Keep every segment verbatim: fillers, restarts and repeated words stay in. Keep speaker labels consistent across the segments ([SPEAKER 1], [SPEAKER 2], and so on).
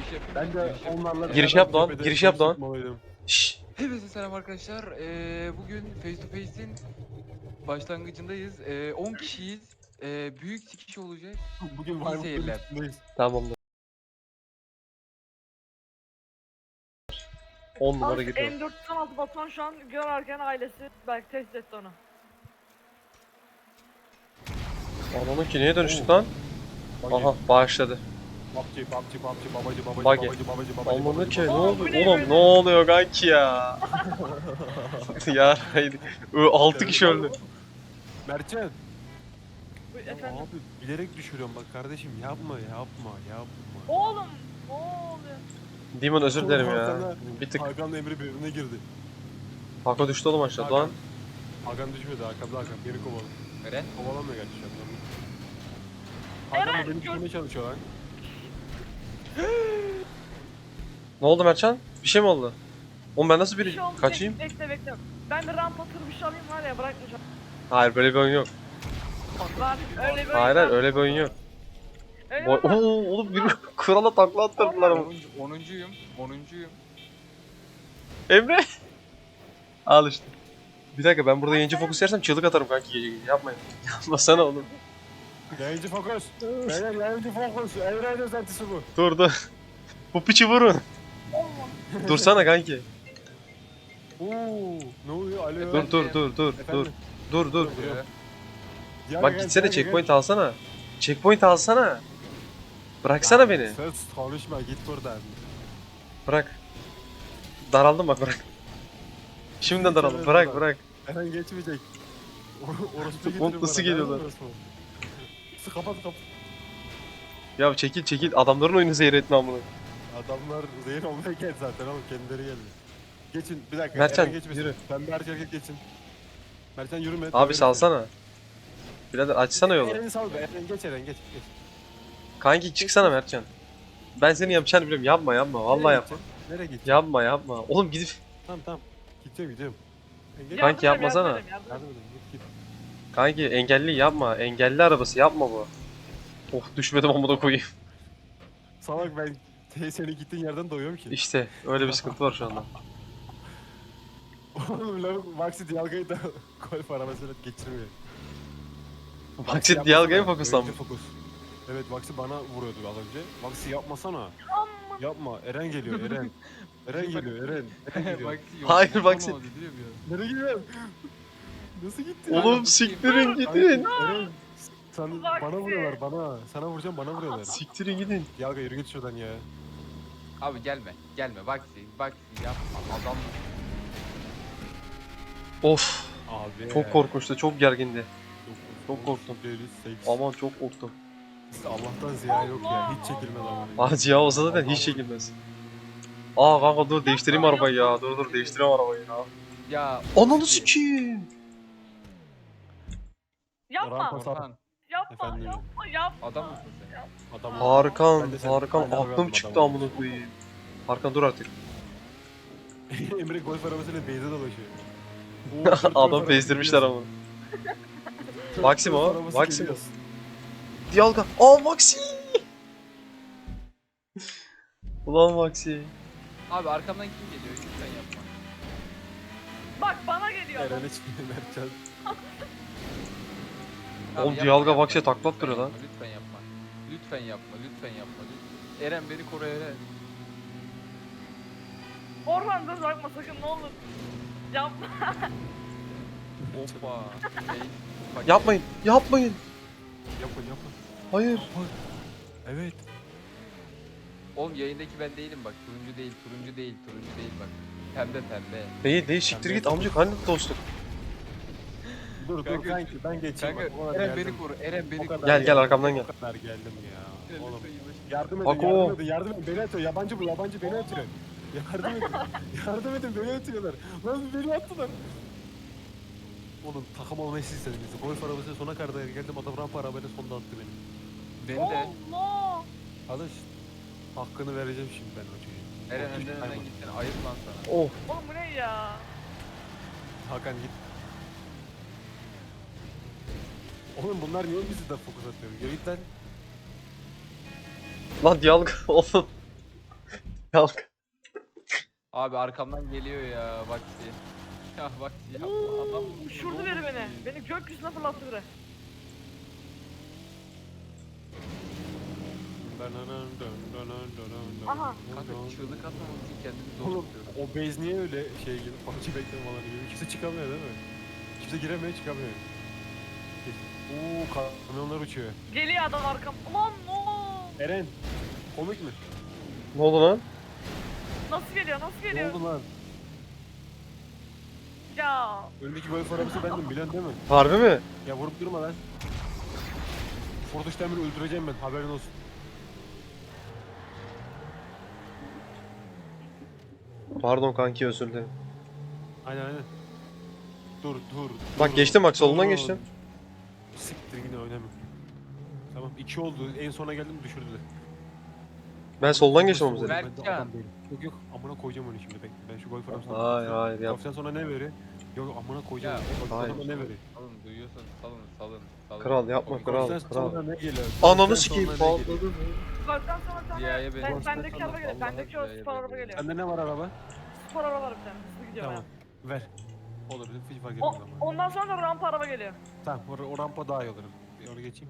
[SPEAKER 1] yapayım.
[SPEAKER 2] Ben de
[SPEAKER 1] giriş yapayım.
[SPEAKER 2] onlarla...
[SPEAKER 3] Giriş yap lan, giriş yap lan. Şşş.
[SPEAKER 1] Hepinize selam arkadaşlar. Ee, bugün Face to Face'in başlangıcındayız. Ee, on kişiyiz. Ee, büyük sikiş olacak.
[SPEAKER 2] Bugün
[SPEAKER 1] İyi
[SPEAKER 2] Maymun'un
[SPEAKER 1] seyirler.
[SPEAKER 2] üstündeyiz.
[SPEAKER 3] Tamamdır. on numara
[SPEAKER 4] Al
[SPEAKER 3] gidiyor.
[SPEAKER 4] M dört yüz on altı Batuhan şu an görerken ailesi belki test etti onu.
[SPEAKER 3] Ananın ki neye dönüştük lan? Aha başladı.
[SPEAKER 2] Babci, babci, babci, babacı, babacı,
[SPEAKER 3] Bagi.
[SPEAKER 2] babacı, babacı, babacı,
[SPEAKER 3] Ananın
[SPEAKER 2] babacı,
[SPEAKER 3] ki ne
[SPEAKER 2] babacı.
[SPEAKER 4] Oğlum,
[SPEAKER 3] oldu?
[SPEAKER 4] bu ne
[SPEAKER 3] Oğlum
[SPEAKER 4] böyle?
[SPEAKER 3] ne oluyor kanki ya? ya haydi. altı kişi öldü.
[SPEAKER 2] Mertcan.
[SPEAKER 4] Bu-
[SPEAKER 2] Ya
[SPEAKER 4] Efendim.
[SPEAKER 2] abi bilerek düşürüyorum bak kardeşim yapma yapma yapma.
[SPEAKER 4] Oğlum ne oluyor?
[SPEAKER 3] Demon özür dilerim ya.
[SPEAKER 2] Hakan'la-
[SPEAKER 3] Bir tık
[SPEAKER 2] Hakan'la Emre birbirine girdi.
[SPEAKER 3] Hako düştü oğlum aşağı lan.
[SPEAKER 2] Hakan düşmedi, Hakan'da Hakan beni kovaladı.
[SPEAKER 1] Eren.
[SPEAKER 2] Kovalamıyor gerçi şu an. Hakan da
[SPEAKER 4] Eren,
[SPEAKER 2] beni
[SPEAKER 4] gör-
[SPEAKER 2] düşürmeye çalışıyor lan.
[SPEAKER 3] Ne oldu Mertcan? Bir şey mi oldu? Oğlum ben nasıl
[SPEAKER 4] Bir
[SPEAKER 3] bir
[SPEAKER 4] şey oldu.
[SPEAKER 3] kaçayım?
[SPEAKER 4] Bekle bekle. Ben de rampa tır bir şey alayım var ya bırakmayacağım.
[SPEAKER 3] Hayır böyle bir oyun yok.
[SPEAKER 4] Var öyle bir
[SPEAKER 3] Hayır hayır öyle bir oyun yok.
[SPEAKER 4] Öyle
[SPEAKER 3] Boy
[SPEAKER 4] bir
[SPEAKER 3] Oo oğlum bir krala takla attırdılar ama.
[SPEAKER 1] onuncu, onuncuyum. onuncuyum.
[SPEAKER 3] Emre. Al işte. Bir dakika ben burada yayıncı fokus yersem çığlık atarım kanki gece gece. Yapmayın. Yapmasana oğlum.
[SPEAKER 2] Yayıncı fokus. Beyler yayıncı fokus. Evren özentisi bu.
[SPEAKER 3] Dur dur. Bu piçi vurun.
[SPEAKER 4] olma.
[SPEAKER 3] Dursana kanki.
[SPEAKER 2] Oo, ne oluyor? Alo.
[SPEAKER 3] Dur dur dur dur dur.
[SPEAKER 2] Efendim?
[SPEAKER 3] Dur dur.
[SPEAKER 1] Ee,
[SPEAKER 2] Gel,
[SPEAKER 3] Bak
[SPEAKER 2] gel,
[SPEAKER 3] gitsene
[SPEAKER 2] gel,
[SPEAKER 3] checkpoint
[SPEAKER 2] gel.
[SPEAKER 3] alsana. Checkpoint alsana. Bıraksana
[SPEAKER 2] Ya,
[SPEAKER 3] beni.
[SPEAKER 2] Söz konuşma git buradan.
[SPEAKER 3] Bırak. Daraldım bak bırak. Şimdiden daraldım. Bırak bırak.
[SPEAKER 2] Eren geçmeyecek. Or orospu
[SPEAKER 3] Çok
[SPEAKER 2] getirin
[SPEAKER 3] mutlusu
[SPEAKER 2] bana,
[SPEAKER 3] geliyorlar.
[SPEAKER 2] nerede orospu? Su kapat kapat.
[SPEAKER 3] Ya çekil çekil. Adamların oyunu zehir etme amına.
[SPEAKER 2] Adamlar zehir olmaya geldi zaten oğlum kendileri geldi. Geçin bir dakika.
[SPEAKER 3] Mertcan,
[SPEAKER 2] Eren geçmesin.
[SPEAKER 3] yürü.
[SPEAKER 2] Ben bir erkek erkek geçin. Mertcan yürüme.
[SPEAKER 3] Abi salsana. Birader açsana yolu.
[SPEAKER 2] Eren'i sal be. Eren geç Eren geç. geç.
[SPEAKER 3] Kanki çıksana Mertcan. Ben senin yapacağını biliyorum. Yapma yapma. Vallahi
[SPEAKER 2] Nereye
[SPEAKER 3] yapma.
[SPEAKER 2] gideceksin? Nereye gideceksin?
[SPEAKER 3] Yapma yapma. Oğlum gidip
[SPEAKER 2] Tamam tamam. Gidiyorum gidiyorum. Sen geç.
[SPEAKER 3] Kanki
[SPEAKER 4] Yardım edeyim,
[SPEAKER 3] yapmasana.
[SPEAKER 4] yardım edeyim, yardım
[SPEAKER 2] Yardım
[SPEAKER 4] edeyim.
[SPEAKER 2] edin git git.
[SPEAKER 3] kanki engelli yapma. Engelli arabası yapma bu. Oh düşmedim amına koyayım.
[SPEAKER 2] Salak ben te- senin gittiğin yerden doyuyorum ki.
[SPEAKER 3] İşte öyle bir sıkıntı var şu anda.
[SPEAKER 2] Oğlum lan Maxi Dialga'yı da golf arabasıyla geçirmiyor.
[SPEAKER 3] Maxi
[SPEAKER 2] yapmasana,
[SPEAKER 3] Dialga'ya fokuslanmış.
[SPEAKER 2] önce fokus. Evet Maxi bana vuruyordu az önce. Maxi yapmasana.
[SPEAKER 4] Amma.
[SPEAKER 2] Yapma. Eren geliyor Eren. Eren geliyor Eren. Eren geliyor.
[SPEAKER 1] Maxi yok.
[SPEAKER 3] Hayır,
[SPEAKER 1] Son
[SPEAKER 3] Maxi.
[SPEAKER 1] oldu, biliyor musun?
[SPEAKER 2] Nereye gidiyorsun? Nasıl gitti?
[SPEAKER 3] Oğlum siktirin gidin.
[SPEAKER 2] Eren. Sen
[SPEAKER 4] Maxi.
[SPEAKER 2] bana vuruyorlar bana. Sana vuracağım bana vuruyorlar.
[SPEAKER 3] Siktirin gidin.
[SPEAKER 2] Dialga yürü git şuradan ya.
[SPEAKER 1] Abi gelme. Gelme. Maxi. Maxi yapma. Adam.
[SPEAKER 3] Of.
[SPEAKER 2] Abi.
[SPEAKER 3] Çok korkunçtu. Çok gergindi. Çok korktum.
[SPEAKER 2] Ama
[SPEAKER 3] Aman çok korktum.
[SPEAKER 2] Allah'tan ziya yok ya. Hiç çekilmez ama.
[SPEAKER 3] Ağacı ya olsa zaten hiç çekilmez. Aa kanka dur değiştireyim arabayı ya. Dur dur değiştireyim arabayı ya.
[SPEAKER 1] Ya.
[SPEAKER 3] Ananı sikeyim.
[SPEAKER 4] Yapma.
[SPEAKER 2] Rampa-
[SPEAKER 1] Orhan.
[SPEAKER 4] Yapma.
[SPEAKER 2] Efendim?
[SPEAKER 4] Yapma. Yapma.
[SPEAKER 1] Adam mısın sen?
[SPEAKER 2] Adam.
[SPEAKER 3] Harkan,
[SPEAKER 2] Ben de sen-
[SPEAKER 3] Harkan
[SPEAKER 2] ben de
[SPEAKER 3] aklım
[SPEAKER 2] adam
[SPEAKER 3] çıktı
[SPEAKER 2] oldum.
[SPEAKER 3] amına koyayım. Harkan dur artık.
[SPEAKER 2] Emre golf arabasıyla beyze dolaşıyor.
[SPEAKER 3] Adam bezdirmişler ama. Maxim o, Maxim o. Dialga. Aa Maxi. Ulan Maxi.
[SPEAKER 1] Abi arkamdan kim geliyor? Lütfen yapma.
[SPEAKER 4] Bak bana geliyor adam.
[SPEAKER 2] Eren'e çıkıyor Mertcan.
[SPEAKER 1] Abi
[SPEAKER 3] Oğlum
[SPEAKER 1] yapma,
[SPEAKER 3] Dialga
[SPEAKER 1] yapma,
[SPEAKER 3] Max'e takla
[SPEAKER 1] lütfen
[SPEAKER 3] attırıyor lan.
[SPEAKER 1] yapma, Lütfen yapma. Lütfen yapma. Lütfen yapma. Lütfen. Eren beni koru Eren.
[SPEAKER 4] Orhan dur bakma sakın ne olur. Yapma.
[SPEAKER 1] Hoppa. Şey, bak-
[SPEAKER 3] Yapmayın, yapmayın.
[SPEAKER 2] Yapın yapın.
[SPEAKER 3] Hayır.
[SPEAKER 2] Evet.
[SPEAKER 1] Oğlum yayındaki ben değilim bak. Turuncu değil, turuncu değil, turuncu değil bak. Pembe pembe.
[SPEAKER 3] Değil değil siktir git amcık hani dostluk.
[SPEAKER 2] Dur dur
[SPEAKER 1] Kanka-
[SPEAKER 2] kanki ben geçeyim.
[SPEAKER 1] Kanka
[SPEAKER 2] bak, o kadar
[SPEAKER 1] Eren
[SPEAKER 2] geldim.
[SPEAKER 1] beni koru. Eren beni
[SPEAKER 2] O
[SPEAKER 1] koru.
[SPEAKER 2] kadar
[SPEAKER 3] Gel gel
[SPEAKER 2] geldim,
[SPEAKER 3] arkamdan gel.
[SPEAKER 2] O kadar geldim ya.
[SPEAKER 1] Eren,
[SPEAKER 2] Oğlum
[SPEAKER 1] lütfen yavaş.
[SPEAKER 2] yardım edin
[SPEAKER 3] Bak o.
[SPEAKER 2] yardım edin yardım edin beni atıyor yabancı bu yabancı beni atıyor. Yardım edin. Yardım edin beni atıyorlar. Lan beni attılar. Oğlum takım olmayı siz istediniz. Golf arabasıyla sona kadar geldim adam rampa arabayla sonunda attı beni.
[SPEAKER 1] Beni de.
[SPEAKER 4] Allah.
[SPEAKER 2] Alış. Hakkını vereceğim şimdi ben o çocuğa.
[SPEAKER 1] Eren
[SPEAKER 2] Korkunç bir
[SPEAKER 1] önden önden
[SPEAKER 2] hayvan.
[SPEAKER 1] gittin. Ayıp lan sana.
[SPEAKER 3] Oh.
[SPEAKER 4] Oğlum bu ne ya?
[SPEAKER 2] Hakan git. Oğlum bunlar niye bizi de fokus atıyor? Yürü git lan.
[SPEAKER 3] Lan Dialga oğlum. Kalk.
[SPEAKER 1] Abi arkamdan geliyor ya Vaksi. Ya Vaksi yapma adam.
[SPEAKER 4] Uçurdu biri beni. Beni gökyüzüne fırlattı biri. Aha.
[SPEAKER 1] Kanka çığlık atmamak için kendimi zor
[SPEAKER 2] Oğlum
[SPEAKER 1] tutuyorum.
[SPEAKER 2] o base niye öyle şey gibi parça bekleme alanı gibi. Kimse çıkamıyor değil mi? Kimse giremiyor çıkamıyor. Uuu kamyonlar uçuyor.
[SPEAKER 4] Geliyor adam arkam. Ulan no.
[SPEAKER 2] Eren komik mi?
[SPEAKER 3] Ne oldu lan?
[SPEAKER 4] Nasıl geliyor nasıl
[SPEAKER 2] Ne
[SPEAKER 4] geliyor?
[SPEAKER 2] oldu lan?
[SPEAKER 4] Ya.
[SPEAKER 2] Önündeki golf arabası bendim bilen değil mi?
[SPEAKER 3] Harbi mi?
[SPEAKER 2] Ya vurup durma lan. Ford Demir'i öldüreceğim ben haberin olsun.
[SPEAKER 3] Pardon kanki özür dilerim.
[SPEAKER 2] Aynen aynen. Dur dur.
[SPEAKER 3] Bak
[SPEAKER 2] dur,
[SPEAKER 3] geçtim bak, solundan
[SPEAKER 2] dur.
[SPEAKER 3] geçtim.
[SPEAKER 2] Siktir yine oynamıyorum. Tamam iki oldu en sona geldim düşürdüler.
[SPEAKER 3] Ben soldan geçtim ama
[SPEAKER 2] Ben de
[SPEAKER 3] seni.
[SPEAKER 1] Berkcan.
[SPEAKER 2] adam değilim. Yok yok amına koyacağım onu şimdi bekle. Ben şu golf arabasına
[SPEAKER 3] Hayır hayır yap.
[SPEAKER 2] Golf'ten sonra ne veriyor? Yok amına koyacağım.
[SPEAKER 1] Ya,
[SPEAKER 2] onu. Golf'ten
[SPEAKER 3] hayır.
[SPEAKER 2] sonra ne veriyor?
[SPEAKER 1] Salın duyuyorsanız salın salın salın.
[SPEAKER 3] Kral yapma,
[SPEAKER 1] Komik
[SPEAKER 3] kral.
[SPEAKER 1] olsun.
[SPEAKER 2] Golf'ten sonra ne geliyor?
[SPEAKER 3] Ananı
[SPEAKER 2] Golf'ten
[SPEAKER 3] sikeyim
[SPEAKER 2] sonra ne geliyor?
[SPEAKER 3] patladı.
[SPEAKER 4] Golf'ten sonra bir tane
[SPEAKER 1] Ziya'ya beni-
[SPEAKER 4] ben,
[SPEAKER 1] Golf'ten
[SPEAKER 4] bendeki
[SPEAKER 1] sonra
[SPEAKER 4] araba geliyor.
[SPEAKER 1] Allah'a
[SPEAKER 4] Bendeki o
[SPEAKER 1] Ziya'ya
[SPEAKER 4] spor
[SPEAKER 1] beni-
[SPEAKER 4] araba geliyor.
[SPEAKER 2] Sende ne var araba?
[SPEAKER 4] Spor araba var bir tane. Hızlı gidiyor
[SPEAKER 2] Tamam. Ver. Olur hiç fark
[SPEAKER 4] O,
[SPEAKER 2] etmez ama.
[SPEAKER 4] ondan sonra da rampa araba geliyor.
[SPEAKER 2] Tamam o, o rampa daha iyi olur. Bir onu geçeyim.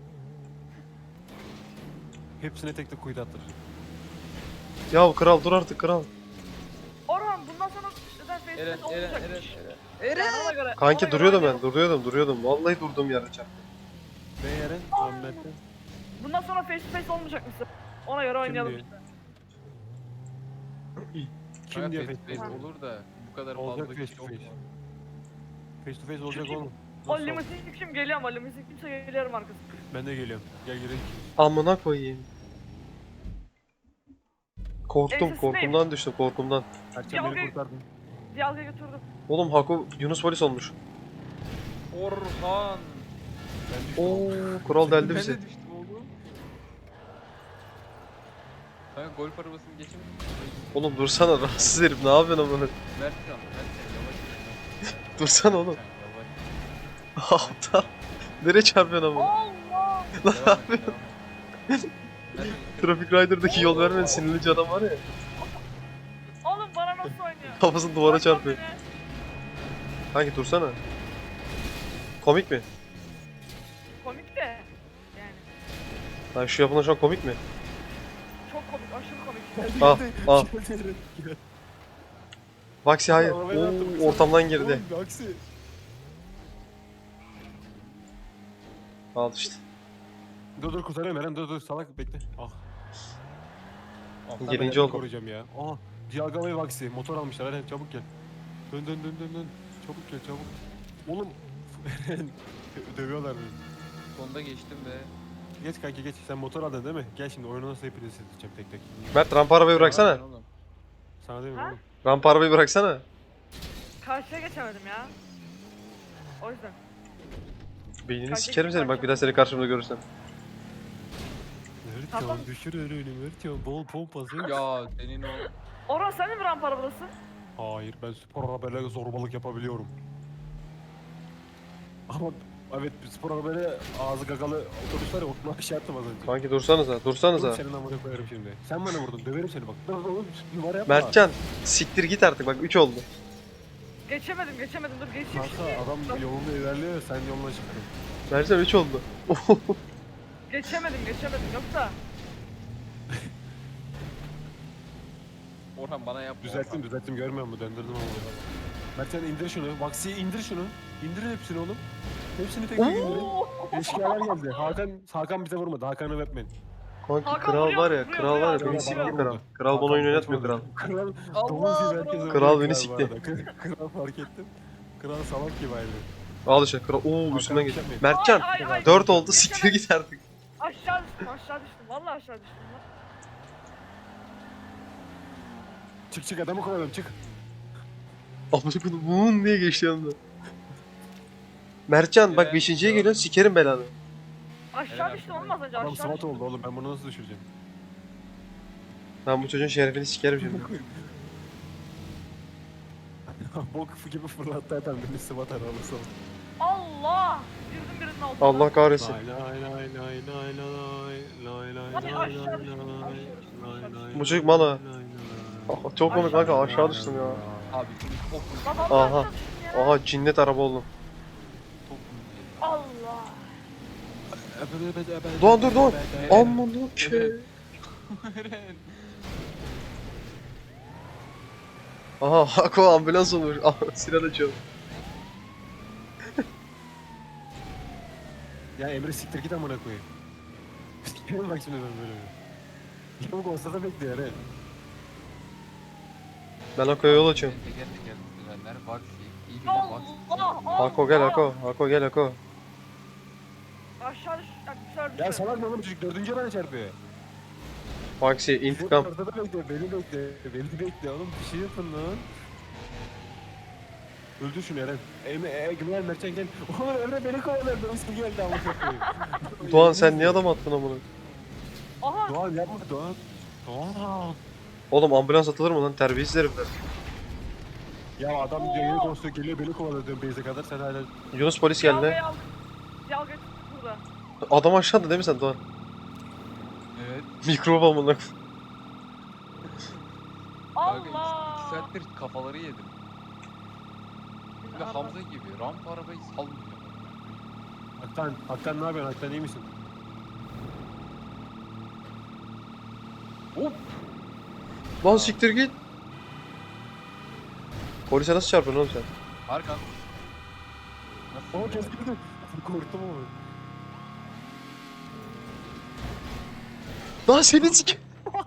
[SPEAKER 2] Hepsine tek tek kuyuda attıracağım.
[SPEAKER 3] Ya kral dur artık kral.
[SPEAKER 4] Orhan bundan sonra neden
[SPEAKER 1] Eren
[SPEAKER 4] Facebook
[SPEAKER 1] Eren Eren
[SPEAKER 4] olmayacakmış.
[SPEAKER 1] Eren.
[SPEAKER 4] Yani ona göre,
[SPEAKER 3] Kanki
[SPEAKER 4] ona göre
[SPEAKER 3] duruyordum ben,
[SPEAKER 4] oynayalım.
[SPEAKER 3] duruyordum, duruyordum. Vallahi durduğum yerde çarptım.
[SPEAKER 2] Ben Eren, Ahmet'ten.
[SPEAKER 4] Bundan sonra face to face olmayacakmış. Ona göre oynayalım
[SPEAKER 2] diyor?
[SPEAKER 4] işte.
[SPEAKER 2] Kim
[SPEAKER 1] Kanka,
[SPEAKER 2] diyor
[SPEAKER 1] face
[SPEAKER 2] face to
[SPEAKER 1] to
[SPEAKER 2] face?
[SPEAKER 1] face olur da bu kadar
[SPEAKER 2] Olacak
[SPEAKER 1] fazla
[SPEAKER 2] face
[SPEAKER 1] kişi
[SPEAKER 2] to
[SPEAKER 1] yok
[SPEAKER 2] face.
[SPEAKER 1] mu?
[SPEAKER 2] Face to face olacak
[SPEAKER 4] Çünkü-
[SPEAKER 2] oğlum.
[SPEAKER 4] O
[SPEAKER 2] Nasıl?
[SPEAKER 4] limuzin kim geliyor ama limuzin kimse geliyorum arkası.
[SPEAKER 2] Ben de geliyorum. Gel girelim.
[SPEAKER 3] Amına koyayım. Korktum,
[SPEAKER 4] Ensesindeyim.
[SPEAKER 3] korkumdan düştüm, korkumdan.
[SPEAKER 2] Erçen beni
[SPEAKER 4] Yalgayı-
[SPEAKER 2] kurtardın.
[SPEAKER 4] Diyalga götürdüm.
[SPEAKER 3] Oğlum Haku Yunus polis olmuş.
[SPEAKER 1] Orhan.
[SPEAKER 2] Ben düştüm.
[SPEAKER 3] Oo, kral deldi
[SPEAKER 1] Ben
[SPEAKER 3] bizi.
[SPEAKER 1] de düştüm oğlum. Kanka golf arabasını geçin.
[SPEAKER 3] Oğlum dursana rahatsız herif, ne yapıyorsun amına?
[SPEAKER 1] Mertcan, Mertcan yavaş.
[SPEAKER 3] Dursana oğlum.
[SPEAKER 1] Mertcan, yavaş.
[SPEAKER 3] Aptal. Nereye çarpıyorsun amına?
[SPEAKER 4] Allah!
[SPEAKER 1] Devam et, devam et. Mertcan,
[SPEAKER 3] Traffic Rider'daki yol vermeyen sinirli adam var ya.
[SPEAKER 4] Oğlum bana nasıl oynuyor?
[SPEAKER 3] Kafasını duvara
[SPEAKER 4] Bırakma
[SPEAKER 3] çarpıyor.
[SPEAKER 4] beni.
[SPEAKER 3] Kanki dursana. Komik mi?
[SPEAKER 4] Komik de. Yani
[SPEAKER 3] Lan şu yapılan şu an komik mi?
[SPEAKER 4] çok komik, aşırı komik.
[SPEAKER 3] Ah, ah.
[SPEAKER 2] Geldi Eren, gel.
[SPEAKER 3] Vaksi hayır.
[SPEAKER 2] Arabaya attım,
[SPEAKER 3] Oo, ortamdan girdi.
[SPEAKER 2] Oğlum aksi.
[SPEAKER 3] Al işte.
[SPEAKER 2] Dur dur kurtarıyorum Eren dur dur salak bekle. Ah. Ah, ben
[SPEAKER 3] Birinci
[SPEAKER 2] Eren'i
[SPEAKER 3] oldum.
[SPEAKER 2] koruyacağım ya. Aha. Dialga ve Vaksi motor almışlar Eren çabuk gel. Dön dön dön dön dön. Çabuk gel çabuk. Oğlum Eren dövüyorlar beni.
[SPEAKER 1] Sonda geçtim be.
[SPEAKER 2] Geç kanki geç. Sen motor aldın değil mi? Gel şimdi oyunu nasıl hepinizi sileceğim tek tek.
[SPEAKER 3] Mert rampa arabayı bıraksana.
[SPEAKER 1] Devam et oğlum.
[SPEAKER 2] Sana değil mi
[SPEAKER 4] Ha?
[SPEAKER 2] oğlum?
[SPEAKER 3] Rampa arabayı bıraksana.
[SPEAKER 4] Karşıya geçemedim ya. O yüzden.
[SPEAKER 3] Beynini
[SPEAKER 4] Kanka,
[SPEAKER 3] sikerim seni bak
[SPEAKER 4] kanka.
[SPEAKER 3] bir daha seni karşımda görürsem.
[SPEAKER 2] Mertcan
[SPEAKER 4] Tamam.
[SPEAKER 2] düşür önünü Mertcan bol pompası.
[SPEAKER 1] Ya senin o
[SPEAKER 4] Orhan sen de mi rampa arabadasın?
[SPEAKER 2] Hayır ben spor arabayla zorbalık yapabiliyorum. Ama evet spor arabayla ağzı gagalı otobüs var ya onu aşağı attım az önce.
[SPEAKER 3] Kanki dursanıza, dursanıza.
[SPEAKER 2] Oğlum senin amına koyarım şimdi. Sen bana vurdun döverim seni bak. Dur oğlum numara yapma.
[SPEAKER 3] Mertcan, siktir git artık bak üç oldu.
[SPEAKER 4] Geçemedim, geçemedim. Dur geçeyim
[SPEAKER 2] Kanka
[SPEAKER 4] şimdi.
[SPEAKER 2] adam yolunda ilerliyor sen yoluna çıktın.
[SPEAKER 3] Mertcan üç oldu.
[SPEAKER 4] Geçemedim, geçemedim. Yoksa
[SPEAKER 1] Orhan bana yapma.
[SPEAKER 2] Düzelttim düzelttim görmüyor musun döndürdüm ama. Mertcan indir şunu. Vaksiye indir şunu. İndirin hepsini oğlum. Hepsini tek tek indirin. Eşkıyalar geldi. Hakan Hakan bize vurmadı. Hakan'ı öpmeyin.
[SPEAKER 3] Kanki
[SPEAKER 4] Hakan
[SPEAKER 3] kral
[SPEAKER 4] vuruyor,
[SPEAKER 3] var ya,
[SPEAKER 4] vuruyor,
[SPEAKER 3] kral var ya
[SPEAKER 4] vuruyor.
[SPEAKER 3] beni sikti
[SPEAKER 2] Hakan
[SPEAKER 3] kral.
[SPEAKER 2] vurdu.
[SPEAKER 3] Kral bana
[SPEAKER 2] Hakan
[SPEAKER 3] oyun oynatmıyor
[SPEAKER 2] kaçmadı.
[SPEAKER 3] kral.
[SPEAKER 2] Kral
[SPEAKER 1] Allah,
[SPEAKER 2] domuz gibi
[SPEAKER 1] bravo.
[SPEAKER 2] herkese
[SPEAKER 3] Kral
[SPEAKER 2] vuruyor
[SPEAKER 3] beni
[SPEAKER 2] bu
[SPEAKER 3] sikti.
[SPEAKER 2] arada. Kral fark ettim. Kral salak gibi ayrı.
[SPEAKER 3] Al işte kral. Oo
[SPEAKER 2] Hakan
[SPEAKER 3] üstünden geç.
[SPEAKER 2] yapmayın.
[SPEAKER 3] Mertcan,
[SPEAKER 4] Ay, ay, ay.
[SPEAKER 3] dört oldu siktir git artık.
[SPEAKER 4] aşağı düştüm, aşağı düştüm. Vallahi aşağı düştüm. lan.
[SPEAKER 2] Çık çık adamı kovalım çık.
[SPEAKER 3] Amına koydum vuun diye geçti yanında. Mertcan bak
[SPEAKER 1] Eren,
[SPEAKER 3] beşinciye
[SPEAKER 1] ya.
[SPEAKER 3] geliyorsun sikerim belanı.
[SPEAKER 4] Aşağı
[SPEAKER 1] Eren
[SPEAKER 4] düştüm
[SPEAKER 1] arkadaş.
[SPEAKER 4] oğlum az önce
[SPEAKER 2] Adam
[SPEAKER 4] aşağı
[SPEAKER 2] SWAT
[SPEAKER 4] düştüm.
[SPEAKER 2] oldu oğlum ben bunu nasıl düşüreceğim?
[SPEAKER 3] Ben bu çocuğun şerefini sikerim şimdi.
[SPEAKER 2] Bok gibi fırlattı adam beni SWAT arabası oldu.
[SPEAKER 4] Allah! Girdim birinin altına.
[SPEAKER 3] Allah kahretsin.
[SPEAKER 2] Lay lay lay lay lay lay lay lay lay
[SPEAKER 4] Hadi
[SPEAKER 2] lay
[SPEAKER 4] aşağı
[SPEAKER 2] lay
[SPEAKER 4] düştüm,
[SPEAKER 2] lay
[SPEAKER 4] aşağı düştüm,
[SPEAKER 2] lay
[SPEAKER 4] aşağı
[SPEAKER 2] lay
[SPEAKER 3] Bu çocuk mala.
[SPEAKER 2] lay lay lay.
[SPEAKER 3] Aha, çok komik kanka aşağı düştüm ya.
[SPEAKER 1] Abi çok komik.
[SPEAKER 4] Lan
[SPEAKER 3] Aha.
[SPEAKER 4] Allah ya.
[SPEAKER 3] Aha cinnet araba oldum.
[SPEAKER 1] Çok komik.
[SPEAKER 4] Allah.
[SPEAKER 3] Doğan dur Doğan.
[SPEAKER 1] Evet.
[SPEAKER 3] Aman ki.
[SPEAKER 1] Eren.
[SPEAKER 3] Aha Hako ambulans olmuş. Aha silah açıyor.
[SPEAKER 2] Ya Emre siktir git amına koyayım. Sikerim bak şimdi ben böyle. Yavuk olsa da bekliyor Eren.
[SPEAKER 3] Ben Hako'ya yol açıyorum.
[SPEAKER 1] Teker teker sürenler Vaxi. İyi bilen Vaxi.
[SPEAKER 4] Allah. Allah.
[SPEAKER 3] Hako gel Hako. Hako gel Hako.
[SPEAKER 4] Aşağı düş. Aşağı düş.
[SPEAKER 2] Ya salak mı oğlum çocuk dördüncü bana çarpıyor.
[SPEAKER 3] Vaksi intikam.
[SPEAKER 2] Ortada bekle, beni bekle, beni bekle oğlum bir şey yapın lan. Öldür şunu Eren. Emre, e, Güven Mertcan gel. Oğlum Emre beni kovalıyor, dönüşü geldi ama koyayım.
[SPEAKER 3] Doğan sen niye adam attın amına?
[SPEAKER 4] Aha.
[SPEAKER 2] Doğan yapma Doğan. Doğan.
[SPEAKER 3] Oğlum ambulans atılır mı lan terbiyesiz herifler.
[SPEAKER 2] Ya adam diyor yeni konuşuyor geliyor beni kovalıyor diyorum base'e kadar sen hala.
[SPEAKER 3] Yunus polis geldi.
[SPEAKER 4] Yalgayı aldım. Yalga çıktı burada.
[SPEAKER 3] Adam aşağıda değil mi sen Doğan?
[SPEAKER 1] Evet.
[SPEAKER 3] Mikrop amına.
[SPEAKER 1] Kanka iki, iki
[SPEAKER 4] Allah.
[SPEAKER 1] saattir kafaları yedim. Ve Hamza gibi rampa arabayı salmıyor.
[SPEAKER 2] Haktan, Haktan ne yapıyorsun? Haktan iyi misin?
[SPEAKER 1] Hop.
[SPEAKER 3] Lan siktir git. Polise nasıl çarpıyorsun oğlum sen?
[SPEAKER 1] Arkan.
[SPEAKER 2] Oo
[SPEAKER 1] Nasıl?
[SPEAKER 2] kesildi. Korktum ama.
[SPEAKER 3] Lan seni sik.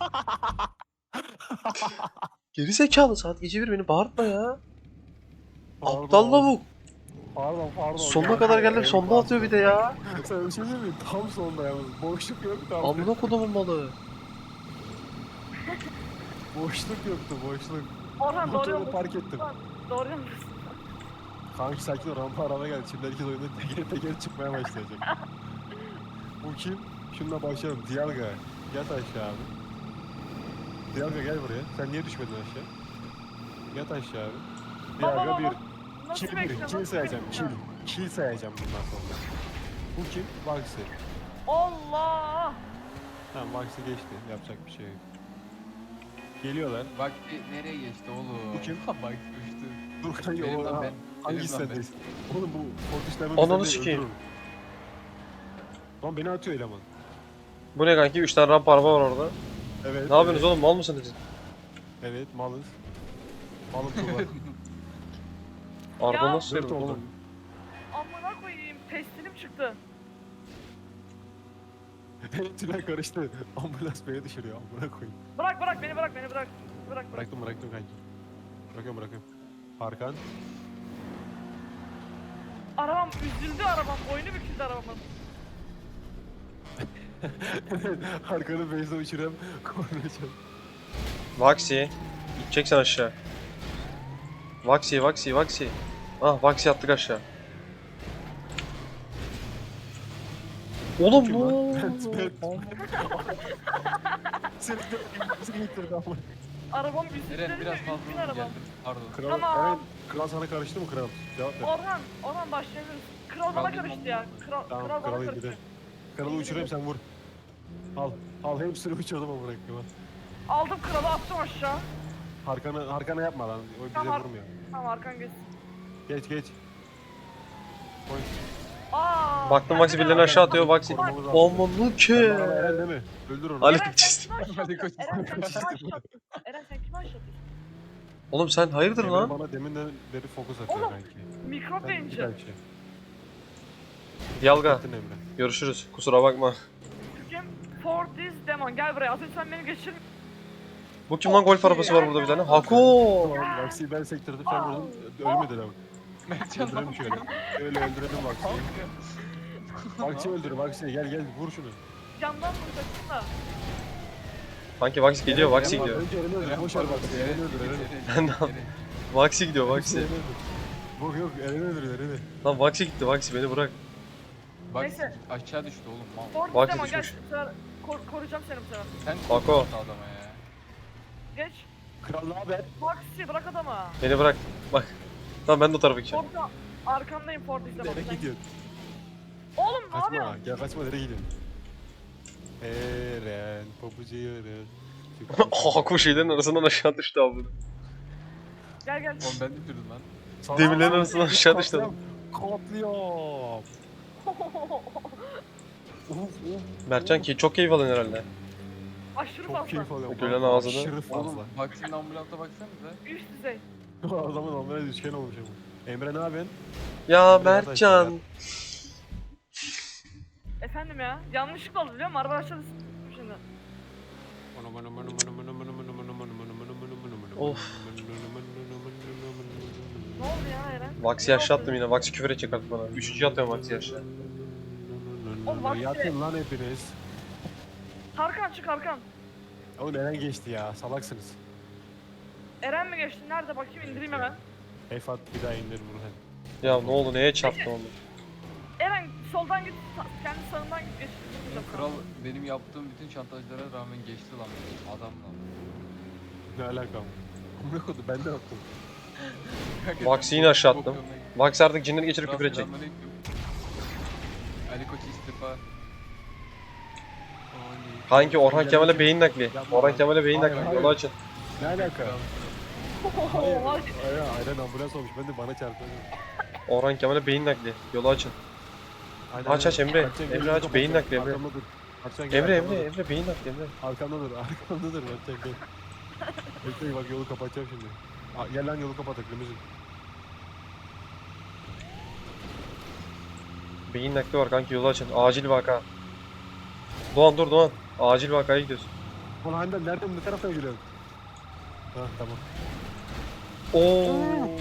[SPEAKER 3] Geri zekalı saat gece bir beni bağırtma ya. Aptal lavuk.
[SPEAKER 2] Pardon pardon.
[SPEAKER 3] Sonuna kadar geldim sonda atıyor bir de ya.
[SPEAKER 2] Sen bir şey değil mi? Tam sonda yalnız. Boşluk yok tam.
[SPEAKER 3] Amına kodumun malı.
[SPEAKER 2] Boşluk yoktu boşluk.
[SPEAKER 4] Orhan doğru
[SPEAKER 2] Motoru
[SPEAKER 4] yoldasın.
[SPEAKER 2] park ettim.
[SPEAKER 4] Doğru yoldasın.
[SPEAKER 2] Kanki sakin ol rampa araba geldi. Şimdi herkes oyunda teker teker çıkmaya başlayacak. Bu kim? Şununla başlayalım. Dialga. Yat aşağı abi. Dialga gel buraya. Sen niye düşmedin aşağı? Yat aşağı abi.
[SPEAKER 4] Baba
[SPEAKER 2] Dialga
[SPEAKER 4] baba.
[SPEAKER 2] bir.
[SPEAKER 4] Nasıl
[SPEAKER 2] Kill bir.
[SPEAKER 4] bekliyorsun?
[SPEAKER 2] Kill
[SPEAKER 4] Nasıl
[SPEAKER 2] sayacağım. Kill.
[SPEAKER 4] bekliyorsun?
[SPEAKER 2] Kill sayacağım bundan sonra. Bu kim? Vaxi.
[SPEAKER 4] Allah.
[SPEAKER 2] Tamam Vaxi geçti. Yapacak bir şey yok. Geliyorlar.
[SPEAKER 1] Vakti nereye geçti oğlum?
[SPEAKER 2] Bu kim?
[SPEAKER 1] Bak düştü.
[SPEAKER 2] Dur kanka
[SPEAKER 1] Benim
[SPEAKER 2] o
[SPEAKER 1] lan
[SPEAKER 2] ha,
[SPEAKER 1] ben.
[SPEAKER 2] hangisi
[SPEAKER 1] Benim lan ben.
[SPEAKER 2] sendeyiz? Oğlum bu Fortnite'den
[SPEAKER 3] Ananı sikeyim.
[SPEAKER 2] Lan beni atıyor eleman.
[SPEAKER 3] Bu ne kanki? üç tane rampa araba var orada.
[SPEAKER 2] Evet.
[SPEAKER 3] Ne yapıyorsunuz
[SPEAKER 2] evet,
[SPEAKER 3] oğlum? Mal mısınız siz?
[SPEAKER 2] Evet malız. Malım tuğla.
[SPEAKER 3] Araba
[SPEAKER 4] Ya.
[SPEAKER 3] nasıl
[SPEAKER 2] Dört
[SPEAKER 3] sürüyor
[SPEAKER 2] oldu.
[SPEAKER 3] oğlum?
[SPEAKER 4] Amına koyayım. Pestilim çıktı.
[SPEAKER 2] Tünel karıştı. Ambulans beni düşürüyor. Amına koyayım.
[SPEAKER 4] Bırak bırak beni bırak beni bırak. Bırak bırak.
[SPEAKER 2] Bıraktım bıraktım kanki. Bırakıyorum bırakıyorum. Arkan.
[SPEAKER 4] Arabam üzüldü arabam. Boynu büküldü arabamın.
[SPEAKER 2] Arkanı base'e uçuram. Kornacağım.
[SPEAKER 3] Vaksi. Gideceksin aşağı. Vaksi, Vaksi, Vaksi. Ah Vaksi attık aşağı. Oğlum
[SPEAKER 2] Kim
[SPEAKER 3] ne
[SPEAKER 2] lan?
[SPEAKER 3] oldu?
[SPEAKER 2] Seni de bizi getirdi ama.
[SPEAKER 4] Arabam üzüldü.
[SPEAKER 1] Eren biraz
[SPEAKER 4] üzgün
[SPEAKER 1] fazla hızlı
[SPEAKER 4] arabam.
[SPEAKER 1] geldim. Pardon.
[SPEAKER 2] Kral,
[SPEAKER 4] Tamam.
[SPEAKER 2] evet, kral sana karıştı mı kral? Cevap ver.
[SPEAKER 4] Orhan, Orhan başlayabiliriz. Kral bana
[SPEAKER 1] Kral
[SPEAKER 4] karıştı ya. Kral,
[SPEAKER 2] Tamam
[SPEAKER 4] kral bana
[SPEAKER 2] kralı
[SPEAKER 4] karıştı.
[SPEAKER 2] indirelim. Kralı uçurayım sen vur. Al. Al hepsini uçurdum ama bıraktım ha.
[SPEAKER 4] Aldım kralı attım aşağı.
[SPEAKER 2] Arkana, arkana yapma lan. O bize
[SPEAKER 4] Tamam.
[SPEAKER 2] vurmuyor.
[SPEAKER 4] Tamam arkan geçsin.
[SPEAKER 2] Geç geç. Koy.
[SPEAKER 4] Aa.
[SPEAKER 3] Baktım Vaksi
[SPEAKER 4] kendine
[SPEAKER 3] birilerini
[SPEAKER 4] bak.
[SPEAKER 3] aşağı atıyor Vaksi.
[SPEAKER 2] Korumamız lazım.
[SPEAKER 3] Amanı ki.
[SPEAKER 2] Sen bana Eren değil mi? Öldür onu.
[SPEAKER 3] Ali
[SPEAKER 4] Eren sen
[SPEAKER 3] çizdi.
[SPEAKER 4] kime aşağı
[SPEAKER 1] Hadi
[SPEAKER 4] atıyorsun?
[SPEAKER 1] koş.
[SPEAKER 4] Eren sen kime aşağı atıyorsun? Eren sen kime aşağı atıyorsun?
[SPEAKER 3] Oğlum sen hayırdır
[SPEAKER 2] Emre
[SPEAKER 3] lan?
[SPEAKER 2] bana deminden beri fokus atıyor
[SPEAKER 4] Oğlum.
[SPEAKER 2] kanki.
[SPEAKER 4] Mikrop
[SPEAKER 2] Sen git
[SPEAKER 4] yayıncı.
[SPEAKER 2] kanki.
[SPEAKER 3] Yalga.
[SPEAKER 2] Gittin Emre.
[SPEAKER 3] Görüşürüz. Kusura bakma.
[SPEAKER 4] Kim? For this demon. Gel buraya. Az önce sen beni geçir.
[SPEAKER 3] Bu kim lan golf arabası var burada bir tane? Hako.
[SPEAKER 2] Tamam Vaksi'yi ben sektirdim sen vurdun. Ölmedi lan.
[SPEAKER 1] Mertcan
[SPEAKER 2] Öldürelim şöyle. Öyle öldürelim Vaksi'yi. Vaksi öldür Vaksi'yi gel gel vur şunu.
[SPEAKER 4] Camdan vuracaksın da.
[SPEAKER 3] Sanki Vaksi geliyor, Vaksi
[SPEAKER 2] Eren var,
[SPEAKER 3] gidiyor.
[SPEAKER 2] Önce Eren'i öldür. Boş ver Vaksi'yi. Eren'i öldür Eren'i.
[SPEAKER 3] Ben de Vaksi gidiyor, Vaksi.
[SPEAKER 2] Eren'i öldür. Yok yok Eren'i öldür Eren'i.
[SPEAKER 3] Lan Vaksi gitti, Vaksi beni bırak.
[SPEAKER 1] Bak
[SPEAKER 4] Neyse.
[SPEAKER 1] aşağı düştü oğlum mal.
[SPEAKER 4] For this
[SPEAKER 3] Bak
[SPEAKER 4] demon gel.
[SPEAKER 3] düşmüş.
[SPEAKER 4] Bu sefer kor- koruyacağım seni bu sefer.
[SPEAKER 1] Sen
[SPEAKER 3] Bak o.
[SPEAKER 1] korkuyorsun adama ya.
[SPEAKER 4] Geç.
[SPEAKER 2] Kral ne haber?
[SPEAKER 4] Maxi bırak adamı.
[SPEAKER 3] Beni bırak. Bak. Tamam ben de o tarafa gideceğim.
[SPEAKER 4] Orada arkandayım for this demon.
[SPEAKER 2] Nereye
[SPEAKER 4] Sen-
[SPEAKER 2] gidiyorsun?
[SPEAKER 4] Oğlum ne
[SPEAKER 2] Kaçma
[SPEAKER 4] yapıyorsun?
[SPEAKER 2] gel kaçma nereye gidiyorsun? Eren pabucu Eren.
[SPEAKER 3] Haku şeylerin arasından aşağı düştü abi.
[SPEAKER 4] Gel gel.
[SPEAKER 1] Oğlum ben de sürdüm lan.
[SPEAKER 3] Demirlerin arasından aşağı düştü adam.
[SPEAKER 2] Katliam. Uf, uf,
[SPEAKER 3] Mertcan
[SPEAKER 2] uf.
[SPEAKER 3] ki çok keyif alın herhalde.
[SPEAKER 4] Aşırı
[SPEAKER 2] Çok
[SPEAKER 4] fazla.
[SPEAKER 2] keyif alıyorum.
[SPEAKER 3] Gülen
[SPEAKER 2] lan.
[SPEAKER 3] ağzını.
[SPEAKER 2] Aşırı fazla.
[SPEAKER 1] Oğlum Vaksi'nin ambulansa baksanıza.
[SPEAKER 4] Üst düzey.
[SPEAKER 2] Adamın onlara düşken olmuş ama. Emre ne yapıyorsun?
[SPEAKER 3] Ya
[SPEAKER 2] Emre yat aşağı,
[SPEAKER 3] Mertcan.
[SPEAKER 4] Efendim ya. Yanlışlıkla oldu biliyor musun? Araba aşağıda s**tim şimdi.
[SPEAKER 3] Of.
[SPEAKER 4] Ne oldu ya Eren?
[SPEAKER 3] Vax'i yaşattım yine. Vax'i küfür edecek artık bana. Üçüncü atıyorum Vax'i yaşa.
[SPEAKER 4] Oğlum bak
[SPEAKER 2] Yatın lan hepiniz.
[SPEAKER 4] Tarkan çık Tarkan.
[SPEAKER 2] Oğlum Eren geçti ya. Salaksınız.
[SPEAKER 4] Eren mi geçti? Nerede bakayım indireyim hemen.
[SPEAKER 2] Efat bir daha indir Burhan.
[SPEAKER 3] Ya ne oldu neye çarptı onu?
[SPEAKER 4] Eren soldan git. sa- Kendi sağından git geç.
[SPEAKER 1] Oğlum kral benim yaptığım bütün şantajlara rağmen geçti lan benim. Adam lan.
[SPEAKER 2] Ne alakam? Amına koydu ben de yaptım.
[SPEAKER 3] Vax'i yine aşağı attım. Vax artık cinleri geçirip küfür edecek.
[SPEAKER 1] Ali Koç istifa.
[SPEAKER 3] Kanki Orhan Kemal'e beyin nakli. Orhan Kemal'e beyin
[SPEAKER 2] Hayır,
[SPEAKER 3] nakli.
[SPEAKER 2] hayır.
[SPEAKER 3] Yolu açın.
[SPEAKER 2] Ne alaka?
[SPEAKER 1] Kral.
[SPEAKER 2] Hayır.
[SPEAKER 4] Oha.
[SPEAKER 2] Aynen, aynen ambulans olmuş. Ben de bana çarptı.
[SPEAKER 3] Orhan Kemal'e beyin nakli. Yolu açın.
[SPEAKER 2] Aynen,
[SPEAKER 3] Aç, aç
[SPEAKER 2] aynen.
[SPEAKER 3] Emre.
[SPEAKER 2] Mertcan,
[SPEAKER 3] Emre
[SPEAKER 2] gözünü
[SPEAKER 3] aç,
[SPEAKER 2] kapat
[SPEAKER 3] beyin
[SPEAKER 2] sen.
[SPEAKER 3] nakli Emre.
[SPEAKER 2] Arkamda dur. Mertcan, gel,
[SPEAKER 3] Emre
[SPEAKER 2] arkamda
[SPEAKER 3] Emre
[SPEAKER 2] dur.
[SPEAKER 3] Emre beyin nakli Emre.
[SPEAKER 2] Arkamda dur. Arkamda dur Mertcan gel. Bekle bak yolu kapatacağım şimdi. Aa, gel lan yolu kapatak limuzin.
[SPEAKER 3] Beyin nakli var kanki yolu açın. Acil vaka. Doğan dur Doğan. Acil vakaya gidiyorsun.
[SPEAKER 2] Ulan Hande nereden ne taraftan geliyorsun? Ha tamam.
[SPEAKER 3] Oo.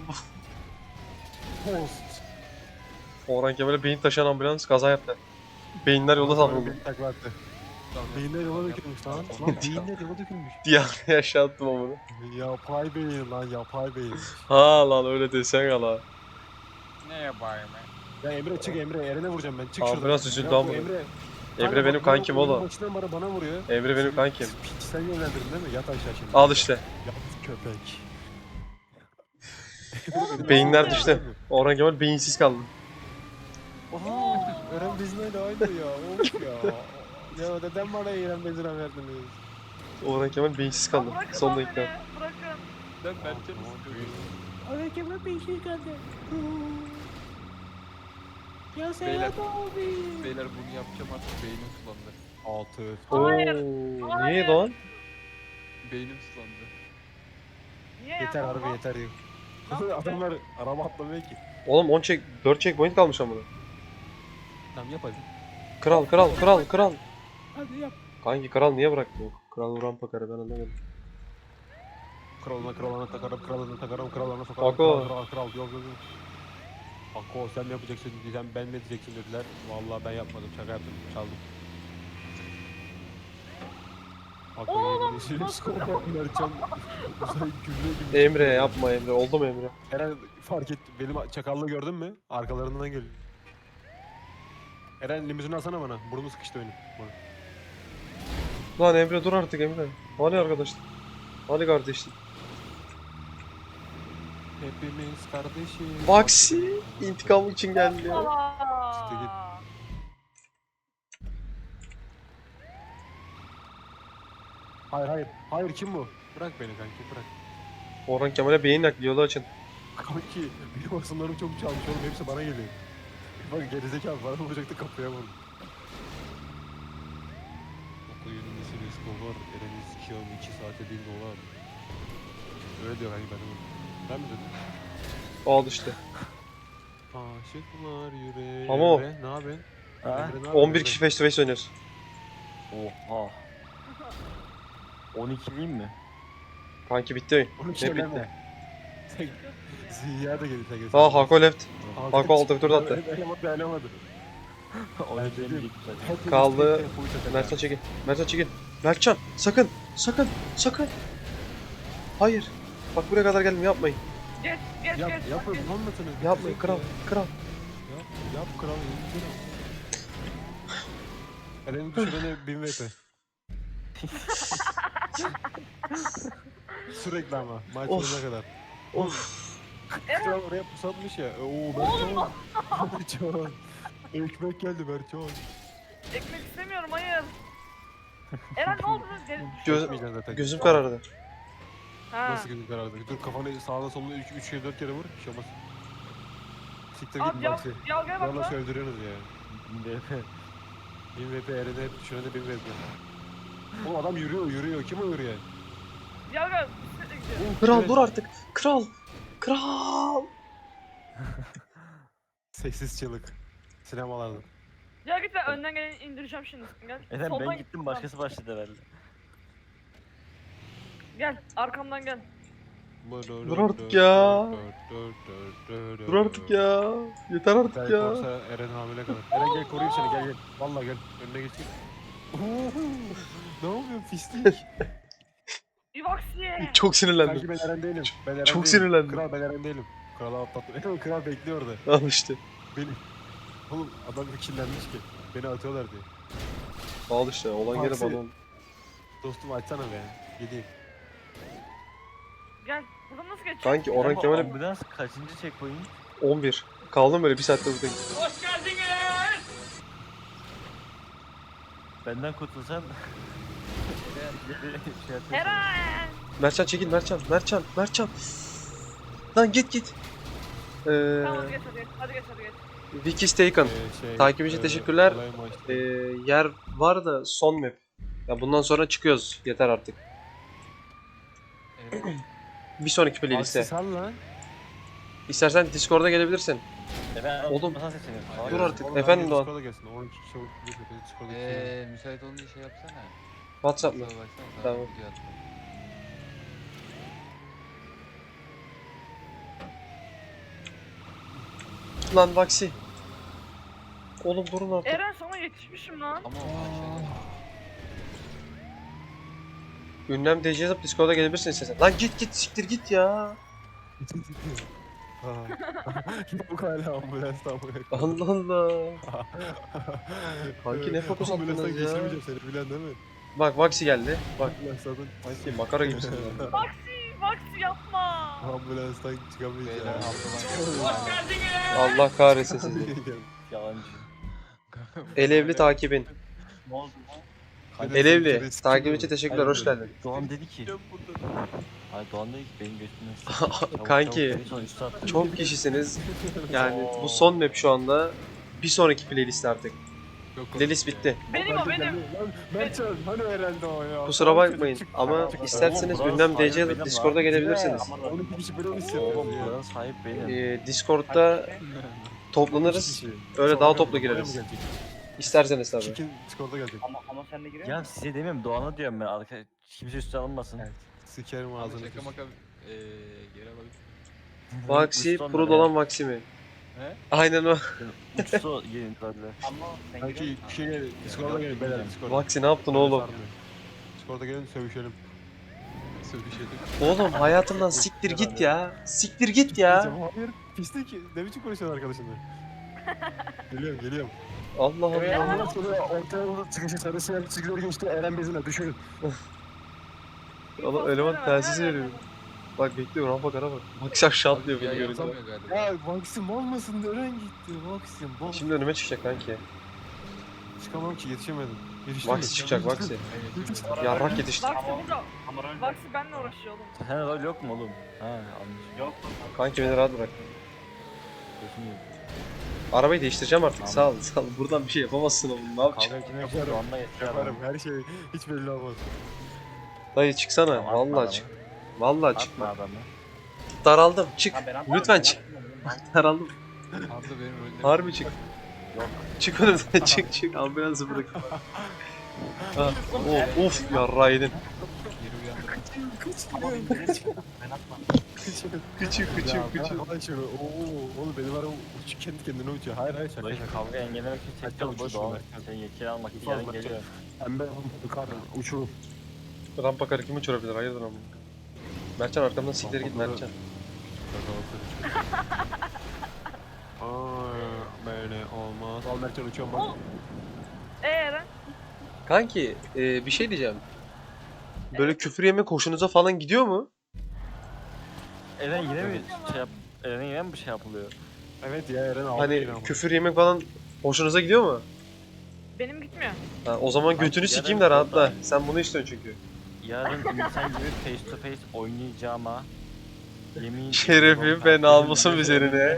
[SPEAKER 2] Post.
[SPEAKER 3] Orhan Kemal'e beyin taşıyan ambulans kaza yaptı. Beyinler yolda savruldu.
[SPEAKER 2] Beni takla attı.
[SPEAKER 1] Kral.
[SPEAKER 2] Beyinler yola dökülmüş lan. Lan beyinler yola dökülmüş.
[SPEAKER 3] Diye aşağı attım ama bunu.
[SPEAKER 2] Yapay beyin lan yapay beyin.
[SPEAKER 3] Ha lan öyle desen ya lan.
[SPEAKER 1] Ne yapayım ben?
[SPEAKER 2] Ya Emre çık Emre Eren'e vuracağım ben çık şuradan.
[SPEAKER 3] Ambulans üzüldü
[SPEAKER 2] Ya bu
[SPEAKER 3] ambulans.
[SPEAKER 2] Emre.
[SPEAKER 3] Emre
[SPEAKER 2] Kanka
[SPEAKER 3] benim
[SPEAKER 2] bak,
[SPEAKER 3] kankim
[SPEAKER 2] oyunun
[SPEAKER 3] oğlum.
[SPEAKER 2] Başından bana bana vuruyor.
[SPEAKER 3] Emre benim kankim.
[SPEAKER 2] Piç sen yönlendirdin değil mi? Yat aşağı şimdi.
[SPEAKER 3] Al işte.
[SPEAKER 2] Yat köpek.
[SPEAKER 4] Oğlum,
[SPEAKER 3] Beyinler
[SPEAKER 4] ne
[SPEAKER 3] düştü. Orhan Kemal beyinsiz kaldı.
[SPEAKER 2] Oha! Eren bizimle de aynı ya. Of ya. Ya neden bana Eren bezine verdiniz?
[SPEAKER 3] Orhan Kemal beyinsiz kaldı.
[SPEAKER 4] Ya bırakın
[SPEAKER 3] Son
[SPEAKER 4] lan
[SPEAKER 3] dakika.
[SPEAKER 4] beni, Bırakın.
[SPEAKER 1] Ben Mertcan'ı sıkıyorum.
[SPEAKER 2] Eren Kemal beyinsiz kaldı. Ya
[SPEAKER 1] Beyler.
[SPEAKER 2] abi.
[SPEAKER 1] Beyler bunu yapacağım artık beynim sulandı.
[SPEAKER 2] Altı.
[SPEAKER 3] Oo,
[SPEAKER 4] Hayır,
[SPEAKER 3] niye lan?
[SPEAKER 1] Beynim sulandı.
[SPEAKER 4] Niye ya?
[SPEAKER 2] Yeter harbi
[SPEAKER 4] Allah-
[SPEAKER 2] yeter.
[SPEAKER 4] yaptın
[SPEAKER 2] Adamlar araba atlamıyor ki.
[SPEAKER 3] Oğlum on check, dört checkpoint kalmış ama.
[SPEAKER 2] Tamam yap hadi.
[SPEAKER 3] Kral, kral, kral, kral.
[SPEAKER 2] Hadi yap.
[SPEAKER 3] Kanki kral niye bıraktı? Kral rampa karı ben anlamadım.
[SPEAKER 2] Kralına kralına takarım, kralına takarım, kralına sokarım.
[SPEAKER 3] Ako.
[SPEAKER 2] Kral, kral, kral, yok yok yok. Ako sen mi yapacaksın diyeceğim, ben mi diyeceksin dediler. Vallahi ben yapmadım, şaka yaptım, çaldım. Ako
[SPEAKER 4] Oğlum,
[SPEAKER 2] yemin ediyorum,
[SPEAKER 4] nasıl?
[SPEAKER 2] skor Mertcan. Uzay gübre gibi.
[SPEAKER 3] Emre yapma Emre. Oldu mu Emre?
[SPEAKER 2] Eren fark etti, benim çakallığı gördün mü? Arkalarından geliyor. Eren limuzini alsana bana, burnu sıkıştı benim. Bana.
[SPEAKER 3] Lan Emre dur artık Emre. Hani arkadaşlık? Hani kardeşlik?
[SPEAKER 2] Hepimiz kardeşiz.
[SPEAKER 3] Vaksi intikam için geldi ya.
[SPEAKER 2] İşte git.
[SPEAKER 4] Aa.
[SPEAKER 2] Hayır hayır, hayır kim bu? Bırak beni kanki, bırak.
[SPEAKER 3] Orhan Kemal'e beyin nakli yolu açın.
[SPEAKER 2] Kanki benim asımlarım çok çalmış oğlum hepsi bana geliyor. Bak gerizekalı bana vuracaktı kapıya vurdu. Okuyun nesini Escobar, Eren'i sikiyorum iki saate bin dolar. Öyle diyor kanki benim. Ben mi dedim?
[SPEAKER 3] Al işte.
[SPEAKER 2] Aşıklar yüreğe.
[SPEAKER 3] Ama o-
[SPEAKER 2] Emre, ne yapıyorsun?
[SPEAKER 5] Ha?
[SPEAKER 2] Emre, ne yapıyorsun
[SPEAKER 3] on bir
[SPEAKER 2] Emre?
[SPEAKER 3] kişi face to face oynuyoruz.
[SPEAKER 5] Oha. on ikiliyim mi?
[SPEAKER 3] Kanki bitti oyun.
[SPEAKER 2] Onu
[SPEAKER 3] Ne
[SPEAKER 2] söyleme.
[SPEAKER 3] bitti?
[SPEAKER 2] Sen- Ziya da geldi sen geldi.
[SPEAKER 3] Ha Hako left.
[SPEAKER 2] Altı
[SPEAKER 3] Hako altı tur attı.
[SPEAKER 2] Dayanamadı dayanamadı.
[SPEAKER 5] on
[SPEAKER 2] Ben
[SPEAKER 5] ikiliyim
[SPEAKER 2] dedim.
[SPEAKER 5] ilk zaten.
[SPEAKER 2] Hepimiz
[SPEAKER 3] Kaldı.
[SPEAKER 2] tek tempoyu çakalım.
[SPEAKER 3] Mertcan çekil. Mertcan çekil. Mertcan sakın. Sakın. Sakın. Hayır. Bak buraya kadar geldim yapmayın.
[SPEAKER 4] Geç geç
[SPEAKER 2] Yap,
[SPEAKER 4] geç.
[SPEAKER 2] yapın
[SPEAKER 4] geç.
[SPEAKER 2] anlatın.
[SPEAKER 3] Yapmayın kral. Kral.
[SPEAKER 2] Yap, yap kral, yap kral. Eren'in düşürene bin V P. Sürekli ama, maç
[SPEAKER 3] Of.
[SPEAKER 2] sonuna kadar.
[SPEAKER 3] Of.
[SPEAKER 2] Kral oraya pusatmış ya. Oo Berçoğan. Berçoğan. Ekmek geldi Berçoğan.
[SPEAKER 4] Ekmek istemiyorum hayır. Eren ne oldu? Gel-
[SPEAKER 3] Göz-
[SPEAKER 2] Geçmeyeceksin zaten.
[SPEAKER 3] Gözüm karardı.
[SPEAKER 4] Ha.
[SPEAKER 2] Nasıl gözün karardı? Dur kafanı sağına soluna üç üç kere dört kere vur. Bir şey olmaz. Siktir
[SPEAKER 4] Abi
[SPEAKER 2] git
[SPEAKER 4] yav,
[SPEAKER 2] Maxi.
[SPEAKER 4] yavgaya bak
[SPEAKER 2] Valla
[SPEAKER 4] lan.
[SPEAKER 2] öldürüyorsunuz ya. bin V P Eren'e hep düşürene de bin V P. Oğlum adam yürüyor yürüyor. Kim o yürüyen?
[SPEAKER 4] Yavga bisikletle gidiyor.
[SPEAKER 3] Kral dur artık. Kral. Kral.
[SPEAKER 2] Sessiz çığlık. Sinemalarda.
[SPEAKER 4] Ya git ben önden gelen indireceğim şimdi. Gel.
[SPEAKER 5] Eren
[SPEAKER 4] Soldan
[SPEAKER 5] ben
[SPEAKER 4] git,
[SPEAKER 5] gittim
[SPEAKER 4] soldan.
[SPEAKER 5] başkası başladı herhalde.
[SPEAKER 4] Gel arkamdan gel.
[SPEAKER 3] Dur artık ya. Dur artık ya. Yeter artık
[SPEAKER 2] Belki
[SPEAKER 3] ya.
[SPEAKER 2] olsa Eren hamile kalır. Eren gel koruyayım seni gel gel. Valla gel. Önüne geçeyim. Ne yapıyorsun pislik?
[SPEAKER 4] Ivaxi'ye.
[SPEAKER 3] Çok sinirlendim.
[SPEAKER 2] Sanki ben Eren değilim. Ben Eren
[SPEAKER 3] Çok
[SPEAKER 2] değilim.
[SPEAKER 3] sinirlendim.
[SPEAKER 2] Kral ben Eren değilim. Krala atlattım. Eren kral bekliyor orada.
[SPEAKER 3] Al işte.
[SPEAKER 2] Beni. Oğlum adam kirlenmiş ki. Beni atıyorlar diye.
[SPEAKER 3] Al işte. Olan gene
[SPEAKER 2] Aksi.
[SPEAKER 3] bana oldu.
[SPEAKER 2] Dostum açsana be. Gideyim.
[SPEAKER 4] Gel. Buradan nasıl geçeceğim?
[SPEAKER 3] Kanki Orhan
[SPEAKER 5] Ama
[SPEAKER 3] Kemal'e
[SPEAKER 5] ambulans kaçıncı checkpoint?
[SPEAKER 3] on bir. Kaldım böyle bir saatte buradayım.
[SPEAKER 5] Benden kurtulsan... Geri şey yapıyorsun.
[SPEAKER 4] Eren.
[SPEAKER 3] Mertcan çekil Mertcan. Mertcan. Mertcan. Lan git git. Ee,
[SPEAKER 4] Tamam hadi geç hadi geç. Hadi geç hadi geç.
[SPEAKER 3] Wiki Staken.
[SPEAKER 2] Ee, şey,
[SPEAKER 3] Takip için
[SPEAKER 2] e,
[SPEAKER 3] teşekkürler.
[SPEAKER 2] olay maçtı.
[SPEAKER 3] Ee, yer var da son map. Ya bundan sonra çıkıyoruz. Yeter artık.
[SPEAKER 1] Evet.
[SPEAKER 3] Bir sonraki playlist'e.
[SPEAKER 2] Aksi sal lan.
[SPEAKER 3] İstersen Discord'a gelebilirsin.
[SPEAKER 5] Eren
[SPEAKER 3] Oğlum,
[SPEAKER 5] oğlum. Nasıl seçelim?
[SPEAKER 1] Hayır.
[SPEAKER 3] Dur artık.
[SPEAKER 2] Oğlum,
[SPEAKER 3] Efendim
[SPEAKER 2] herkes
[SPEAKER 3] Doğan.
[SPEAKER 2] Discord'a gelsin. on iki kişi çabuk bir de Discord'a gelsin.
[SPEAKER 1] Eee müsait olunca şey yapsana.
[SPEAKER 3] WhatsApp mı?
[SPEAKER 1] Kusura baksana sana
[SPEAKER 3] Tamam.
[SPEAKER 1] video attım.
[SPEAKER 3] Lan Vaksi. Oğlum durun artık.
[SPEAKER 4] Eren sana yetişmişim lan.
[SPEAKER 1] Ama o aşağıda.
[SPEAKER 3] Ünlem D J yazıp Discord'a gelebilirsin istersen. Lan git git siktir git ya.
[SPEAKER 2] Bu hala ambulans tam
[SPEAKER 3] Allah Allah. Kanki ne fokus
[SPEAKER 2] Ambulanstan
[SPEAKER 3] attınız ya?
[SPEAKER 2] geçirmeyeceğim seni bilen değil mi?
[SPEAKER 3] Bak Vaksi geldi. Bak
[SPEAKER 2] Ambulanstan,
[SPEAKER 3] Vaksi makara gibisin ya.
[SPEAKER 4] Vaxi, Vaxi yapma.
[SPEAKER 2] ambulanstan
[SPEAKER 1] Beyler
[SPEAKER 2] çıkamayacağım.
[SPEAKER 1] ablalar.
[SPEAKER 3] Allah kahretsin sizi.
[SPEAKER 5] Yalancı.
[SPEAKER 3] Elevli takibin.
[SPEAKER 5] Ne oldu?
[SPEAKER 3] Elevli. Takip için teşekkürler. Hoş geldin.
[SPEAKER 5] Doğan dedi ki. Hayır Doğan dedi ki benim götümden sıkı.
[SPEAKER 3] Kanki, Çok kişisiniz. Yani bu son map şu anda. Bir sonraki playlist artık. Playlist bitti.
[SPEAKER 4] Benim o benim.
[SPEAKER 2] Mertcan hani herhalde o ya.
[SPEAKER 3] Kusura bakmayın ama isterseniz Ünlem D J yazıp Discord'a gelebilirsiniz.
[SPEAKER 2] on iki kişi böyle mi
[SPEAKER 5] Oğlum
[SPEAKER 2] hissediyoruz ya?
[SPEAKER 5] buranın sahip benim.
[SPEAKER 3] Ee, Discord'da toplanırız. Öyle daha toplu gireriz. İsterseniz tabii.
[SPEAKER 2] Çekin Discord'a gelecek.
[SPEAKER 6] Ama ama sen de giriyor
[SPEAKER 5] Ya
[SPEAKER 6] musun?
[SPEAKER 5] size demiyorum Doğan'a diyorum ben arka kimse üstüne alınmasın.
[SPEAKER 3] Evet.
[SPEAKER 2] Sikerim
[SPEAKER 1] Abi
[SPEAKER 2] ağzını.
[SPEAKER 1] şaka maka eee geri alayım.
[SPEAKER 3] Vaksi,
[SPEAKER 5] Uçtu
[SPEAKER 3] pro
[SPEAKER 5] onlar
[SPEAKER 3] dolan
[SPEAKER 5] ya.
[SPEAKER 3] Vaksi mi?
[SPEAKER 1] He?
[SPEAKER 3] Aynen o.
[SPEAKER 5] Uçtu gelin dediler.
[SPEAKER 6] Ama sen giriyor
[SPEAKER 2] Kanki
[SPEAKER 6] musun?
[SPEAKER 2] bir şey gel. Discord'a gelin beyler Discord'a.
[SPEAKER 3] Vaksi ne yaptın oğlum?
[SPEAKER 2] Discord'a gelin sövüşelim.
[SPEAKER 1] Sövüşelim.
[SPEAKER 3] Oğlum hayatımdan siktir git ya. Siktir git ya.
[SPEAKER 2] Hayır pislik. Ne biçim konuşuyorsun arkadaşınla? Geliyorum geliyorum.
[SPEAKER 3] Allah
[SPEAKER 2] Evet,
[SPEAKER 3] Allah.
[SPEAKER 2] ondan sonra ortaya doğru çıkışı sarısı yer çizgileri geçti. Eren bezine düşürün.
[SPEAKER 3] Oğlum eleman telsiz veriyor. Bak bekliyor rampa kara bak. Vaksi aşağı atlıyor
[SPEAKER 1] Ya
[SPEAKER 3] beni görünce.
[SPEAKER 1] yapamıyor galiba.
[SPEAKER 2] Ya Vaksim olmasın Eren gitti. Vaksim bol.
[SPEAKER 3] Şimdi önüme çıkacak kanki.
[SPEAKER 2] Çıkamam ki yetişemedim. Yetiştim
[SPEAKER 3] Vaksi çıkacak Vaksi. Yarrak yetişti.
[SPEAKER 4] Vaxi burada.
[SPEAKER 6] Ama öyle.
[SPEAKER 4] Vaxi benimle uğraşıyor oğlum.
[SPEAKER 5] Sen rol yok mu oğlum? Ha anladım.
[SPEAKER 6] Yok.
[SPEAKER 3] Kanki beni rahat bırak.
[SPEAKER 5] Gözüm yok.
[SPEAKER 3] Arabayı değiştireceğim artık.
[SPEAKER 5] Tamam.
[SPEAKER 3] Sağ ol, sağ ol. Buradan bir şey yapamazsın oğlum. Ne yapacaksın?
[SPEAKER 5] Kavga etmek için
[SPEAKER 2] Yaparım.
[SPEAKER 5] Doğan'la getiriyor
[SPEAKER 2] Yaparım
[SPEAKER 5] adam.
[SPEAKER 2] her şey hiç belli olmaz.
[SPEAKER 3] Dayı çıksana.
[SPEAKER 5] Tamam, atma
[SPEAKER 3] Vallahi
[SPEAKER 5] adamı.
[SPEAKER 3] çık. Vallahi
[SPEAKER 5] Atma
[SPEAKER 3] çıkma.
[SPEAKER 5] adamı.
[SPEAKER 3] Daraldım. Çık.
[SPEAKER 6] Ha, ben atmadım,
[SPEAKER 3] Lütfen
[SPEAKER 6] ben
[SPEAKER 3] çık.
[SPEAKER 6] atmadım.
[SPEAKER 3] Daraldım.
[SPEAKER 1] Abla benim rollerim.
[SPEAKER 3] Harbi çık.
[SPEAKER 5] Yok.
[SPEAKER 3] Çık önümden çık çık. Ambulansı bırak. Ha, of of yarrağı yedin.
[SPEAKER 1] Geri uyandım.
[SPEAKER 6] Ama ben geri çıktım. Ben atmadım.
[SPEAKER 3] Küçük küçük küçük.
[SPEAKER 2] Hadi şunu. Oo, oğlum benim araba uç kendi kendine uçuyor. Hayır hayır şaka
[SPEAKER 5] Dayı
[SPEAKER 2] şaka.
[SPEAKER 5] kavga engellemek için
[SPEAKER 2] Hadi
[SPEAKER 5] çekeceğim bu
[SPEAKER 2] uçuş
[SPEAKER 5] Doğan.
[SPEAKER 2] Ömer.
[SPEAKER 5] Sen yetkili almak için
[SPEAKER 2] Ufak
[SPEAKER 5] yarın
[SPEAKER 2] bak.
[SPEAKER 5] geliyor.
[SPEAKER 2] Pembe yukarı uçurum.
[SPEAKER 3] Rampa karı kim uçurabilir? Hayırdır ama. Mertcan arkamdan siktir git Mertcan.
[SPEAKER 2] Aa, böyle olmaz. Al Mertcan uçuyorum bak.
[SPEAKER 4] Oğlum. Ee Eren?
[SPEAKER 3] Kanki e, bir şey diyeceğim. Böyle küfür yemek hoşunuza falan gidiyor mu?
[SPEAKER 5] Eren yine mi şey yap... Eren yine mi bir şey yapılıyor?
[SPEAKER 2] Evet ya Eren aldı
[SPEAKER 3] Hani
[SPEAKER 2] yine ama.
[SPEAKER 3] küfür yemek falan hoşunuza gidiyor mu?
[SPEAKER 4] Benim gitmiyor.
[SPEAKER 3] Ha, o zaman
[SPEAKER 5] Kanki,
[SPEAKER 3] götünü
[SPEAKER 5] yarın
[SPEAKER 3] sikeyim de rahatla.
[SPEAKER 5] orada-
[SPEAKER 3] Sen bunu istiyorsun çünkü.
[SPEAKER 5] Yarın insan gibi face to face oynayacağıma yemin
[SPEAKER 3] Şerefim ve namusum üzerine.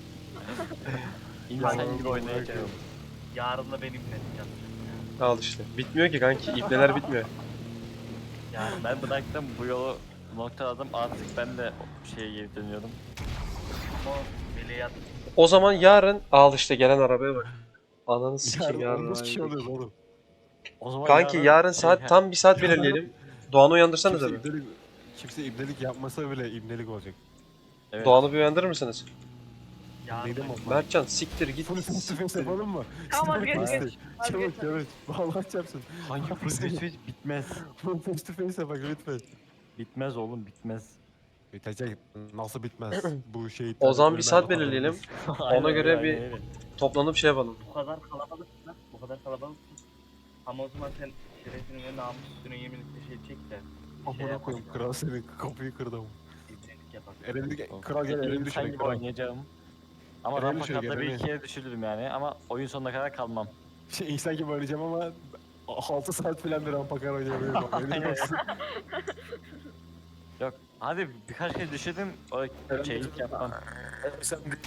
[SPEAKER 5] İnsan gibi oynayacağım.
[SPEAKER 6] Yarın da benimle yapacağım.
[SPEAKER 3] Al işte. Bitmiyor ki kanki. İpneler bitmiyor.
[SPEAKER 6] Yarın
[SPEAKER 5] Ben bıraktım bu yolu noktaladım artık ben de şeye geri dönüyorum.
[SPEAKER 6] ama meleğe at.
[SPEAKER 3] O zaman yarın al işte gelen arabaya bak. Ananı sikeyim
[SPEAKER 2] Yarın on
[SPEAKER 3] yarın.
[SPEAKER 2] beş kişi oluyoruz oğlum.
[SPEAKER 5] O zaman
[SPEAKER 3] Kanki yarın
[SPEAKER 5] şey-
[SPEAKER 3] saat tam bir saat belirleyelim. Doğan'ı uyandırsanız
[SPEAKER 2] Kimse
[SPEAKER 3] abi.
[SPEAKER 2] ibnelik, kimse ibnelik yapmasa bile ibnelik olacak.
[SPEAKER 5] Evet.
[SPEAKER 3] Doğan'ı bir uyandırır mısınız?
[SPEAKER 6] Yarın
[SPEAKER 2] Neydi
[SPEAKER 6] da-
[SPEAKER 2] mi?
[SPEAKER 3] Mertcan siktir git.
[SPEAKER 2] Full face to face yapalım mı?
[SPEAKER 4] Tamam
[SPEAKER 2] Sinir
[SPEAKER 4] geç
[SPEAKER 2] krizi.
[SPEAKER 4] geç.
[SPEAKER 2] Çabuk
[SPEAKER 4] Vazgeç.
[SPEAKER 2] çabuk. Vallahi çarpsın.
[SPEAKER 5] Hangi full face to face bitmez.
[SPEAKER 2] Full face to face yapak lütfen.
[SPEAKER 5] Bitmez oğlum bitmez.
[SPEAKER 2] Bitecek. Nasıl bitmez? Bu şey...
[SPEAKER 3] O zaman bir
[SPEAKER 2] ölümen
[SPEAKER 3] saat
[SPEAKER 2] kapanmaz.
[SPEAKER 3] belirleyelim.
[SPEAKER 5] Aynen
[SPEAKER 3] göre
[SPEAKER 5] öyle,
[SPEAKER 3] bir-
[SPEAKER 5] aynen öyle.
[SPEAKER 3] Toplanıp şey yapalım.
[SPEAKER 6] Bu kadar kalabalıksın. Bu kadar kalabalıksın. Ama o zaman sen şerefini ve namusunu yeminlikle şey çek de.
[SPEAKER 2] Amına koyayım kral senin kapıyı kırdım.
[SPEAKER 6] İbnelik yapar.
[SPEAKER 2] Eren'i kral gel Eren'i
[SPEAKER 5] İnsan
[SPEAKER 2] düşürün
[SPEAKER 5] gibi
[SPEAKER 2] kral.
[SPEAKER 5] oynayacağım. Ama
[SPEAKER 2] Eren'i
[SPEAKER 5] rampa
[SPEAKER 2] düşür,
[SPEAKER 5] kadar bir
[SPEAKER 2] Eren'i.
[SPEAKER 5] iki kere düşürürüm yani ama oyun sonuna kadar kalmam.
[SPEAKER 2] Şey insan gibi oynayacağım ama altı saat falan bir rampa kar oynayabilirim. Eren'i
[SPEAKER 5] Aynen.
[SPEAKER 2] baksın.
[SPEAKER 5] Yok hadi birkaç kere düşürdüm o şeylik yapmam.
[SPEAKER 2] Sen de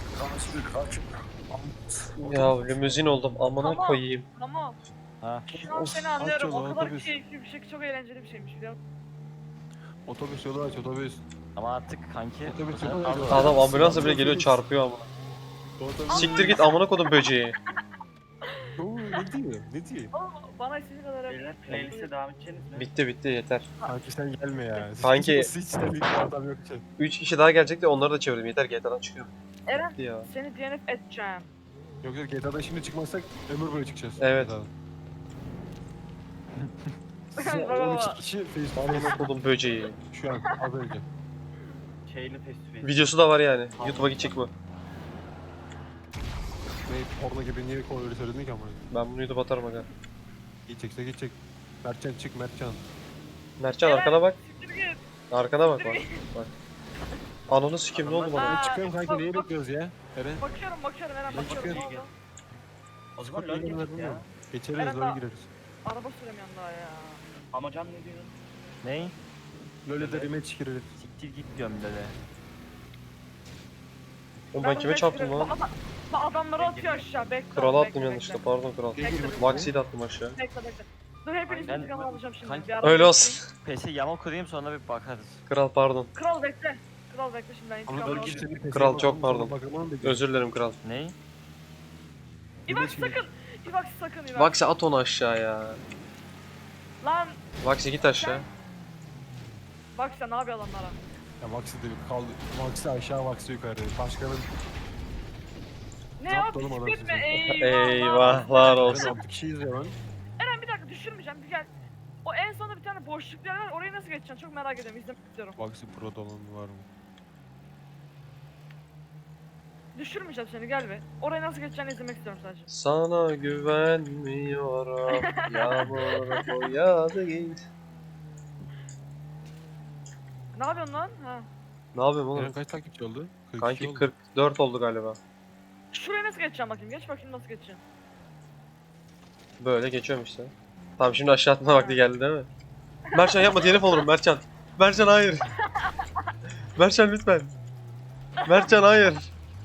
[SPEAKER 3] Ya limuzin oldum amına
[SPEAKER 4] Tamam.
[SPEAKER 3] koyayım.
[SPEAKER 4] Tamam.
[SPEAKER 5] Ha.
[SPEAKER 4] Şu an
[SPEAKER 2] Of,
[SPEAKER 4] seni
[SPEAKER 2] aç
[SPEAKER 4] anlıyorum.
[SPEAKER 2] yolu,
[SPEAKER 4] O kadar
[SPEAKER 2] otobüs.
[SPEAKER 4] keyifli bir şey, çok eğlenceli bir şeymiş biliyor musun?
[SPEAKER 2] Otobüs yolu aç otobüs.
[SPEAKER 5] Ama artık kanki
[SPEAKER 2] Otobüs
[SPEAKER 5] bu sefer
[SPEAKER 2] yolu
[SPEAKER 5] az
[SPEAKER 2] aç.
[SPEAKER 5] oldu.
[SPEAKER 3] Adam ambulansla bile geliyor çarpıyor amına.
[SPEAKER 2] Otobüs.
[SPEAKER 3] Siktir git amına kodum böceği.
[SPEAKER 2] Oo, ne diyor? Ne diyor?
[SPEAKER 4] Aa, bana istediği kadar yap.
[SPEAKER 6] Beyler playlist'e devam edeceksiniz mi?
[SPEAKER 3] Bitti bitti yeter.
[SPEAKER 2] Kanki sen gelme ya.
[SPEAKER 3] Kanki-
[SPEAKER 2] Hiç senlik bir adam yok ki.
[SPEAKER 3] üç kişi daha gelecek de onları da çevirdim. Yeter G T A'dan çıkıyorum.
[SPEAKER 4] Eren
[SPEAKER 3] Bitti ya.
[SPEAKER 4] seni D N F edeceğim.
[SPEAKER 2] Yok yok G T A'dan şimdi çıkmazsak ömür boyu çıkacağız.
[SPEAKER 3] Evet.
[SPEAKER 2] G T A'dan.
[SPEAKER 4] Baba,
[SPEAKER 2] on iki
[SPEAKER 4] baba.
[SPEAKER 2] kişi Facebook
[SPEAKER 3] Amına kodum böceği.
[SPEAKER 2] şu an az önce.
[SPEAKER 6] Şeyli face to face.
[SPEAKER 3] Videosu da var yani. YouTube'a gidecek bu.
[SPEAKER 2] Ne porno gibi niye konu öyle söyledin ki ama.
[SPEAKER 3] Ben bunu YouTube'a atarım aga.
[SPEAKER 2] Gidecekse gidecek. Mertcan çık Mertcan.
[SPEAKER 3] Mertcan arkana bak.
[SPEAKER 4] Siktir git.
[SPEAKER 3] Arkana bak bak. Bak. Ananı sikeyim ne oldu bana?
[SPEAKER 4] Aa,
[SPEAKER 2] Ben çıkıyorum kanki
[SPEAKER 4] bak,
[SPEAKER 2] neyi
[SPEAKER 4] bak.
[SPEAKER 2] bekliyoruz ya? Eren.
[SPEAKER 4] Bakıyorum bakıyorum Eren
[SPEAKER 2] Ne
[SPEAKER 4] bakıyorum. Ne
[SPEAKER 2] çıkıyor?
[SPEAKER 4] oldu?
[SPEAKER 6] O zaman
[SPEAKER 2] Çok
[SPEAKER 6] lol
[SPEAKER 2] iyi
[SPEAKER 6] geçtik
[SPEAKER 2] oynadım
[SPEAKER 6] ya.
[SPEAKER 2] ya. Geçeriz
[SPEAKER 4] Eren
[SPEAKER 2] LoL
[SPEAKER 4] daha-
[SPEAKER 2] gireriz.
[SPEAKER 4] Araba süremiyorum daha ya.
[SPEAKER 6] Ama Can ne diyorsun?
[SPEAKER 5] Ney?
[SPEAKER 2] LoL'e de rematch gireriz.
[SPEAKER 5] Siktir git diyorum dede.
[SPEAKER 3] Oğlum ben kime çarptım lan?
[SPEAKER 4] Bak, bak adamları atıyor aşağı. Bekle.
[SPEAKER 3] Krala
[SPEAKER 4] bekle,
[SPEAKER 3] attım
[SPEAKER 4] bekle.
[SPEAKER 3] yanlışlıkla pardon kral.
[SPEAKER 4] Bekle, bekle.
[SPEAKER 3] Maxi'yi de attım aşağı.
[SPEAKER 4] Bekle bekle. Dur hepinizi
[SPEAKER 5] Ben-
[SPEAKER 4] intikam alacağım şimdi.
[SPEAKER 5] Kanki-
[SPEAKER 4] Bir araba
[SPEAKER 3] Öyle
[SPEAKER 4] bekleyin.
[SPEAKER 3] olsun.
[SPEAKER 5] Pesi yama kurayım sonra bir bakarız.
[SPEAKER 3] Kral pardon.
[SPEAKER 4] Kral bekle. Kral bekle şimdi ben intikam
[SPEAKER 2] Ama LoL
[SPEAKER 4] alacağım.
[SPEAKER 2] girişini
[SPEAKER 3] Kral, çok pardon.
[SPEAKER 2] Özür.
[SPEAKER 3] Özür dilerim kral.
[SPEAKER 5] Ney?
[SPEAKER 4] İbak sakın. İbak sakın İbak.
[SPEAKER 3] Vax'i at onu aşağıya.
[SPEAKER 4] Lan
[SPEAKER 3] Vax'i git aşağı.
[SPEAKER 4] bak sen ne yapıyor adamlara?
[SPEAKER 2] Ya Maxi de kaldı. Maxi aşağı Maxi yukarı. Başkanın
[SPEAKER 4] Ne
[SPEAKER 2] Ne
[SPEAKER 4] yap?
[SPEAKER 2] yaptı oğlum adam
[SPEAKER 4] Gitme
[SPEAKER 2] size?
[SPEAKER 4] eyvah.
[SPEAKER 3] Eyvahlar
[SPEAKER 2] Ben
[SPEAKER 3] olsun.
[SPEAKER 2] altı kişiyiz ya lan.
[SPEAKER 4] Eren bir dakika düşürmeyeceğim bir gel. O en sonunda bir tane boşluk yer var orayı nasıl geçeceksin çok merak ediyorum izlemek istiyorum.
[SPEAKER 2] Maxi Pro dolan var mı?
[SPEAKER 4] Düşürmeyeceğim seni gel be. Orayı nasıl geçeceğini izlemek istiyorum sadece.
[SPEAKER 3] Sana güvenmiyorum. Yağmur boyadı git.
[SPEAKER 4] Ne yapıyorsun lan? Ha.
[SPEAKER 3] Ne yapıyorum oğlum?
[SPEAKER 2] Eren kaç takipçi oldu? kırk kişi
[SPEAKER 3] Kanki
[SPEAKER 2] oldu.
[SPEAKER 3] kırk dört oldu galiba.
[SPEAKER 4] Şuraya nasıl geçeceğim bakayım geç bakayım nasıl geçeceğim.
[SPEAKER 3] Böyle geçiyorum işte. Tamam şimdi aşağı atma vakti geldi değil mi? Mertcan yapma telef olurum Mertcan. Mertcan hayır. Mertcan lütfen. Mertcan hayır.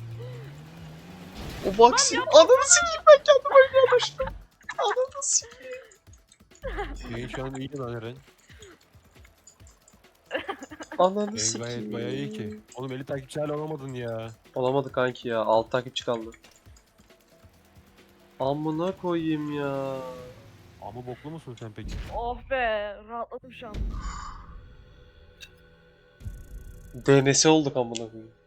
[SPEAKER 3] O Vax'i ananı sikeyim ben kendim oynaya düştüm. Ananı sikeyim.
[SPEAKER 2] Yayın şu an iyi lan Eren.
[SPEAKER 3] Ananı
[SPEAKER 2] Yayın
[SPEAKER 3] sikeyim.
[SPEAKER 2] gayet bayağı iyi ki. Oğlum elli takipçi hala olamadın ya.
[SPEAKER 3] Olamadı kanki ya. altı takipçi kaldı. Amına koyayım ya.
[SPEAKER 2] Ama boklu musun sen peki?
[SPEAKER 4] Oh be rahatladım şu an.
[SPEAKER 3] D N S olduk amına koyayım.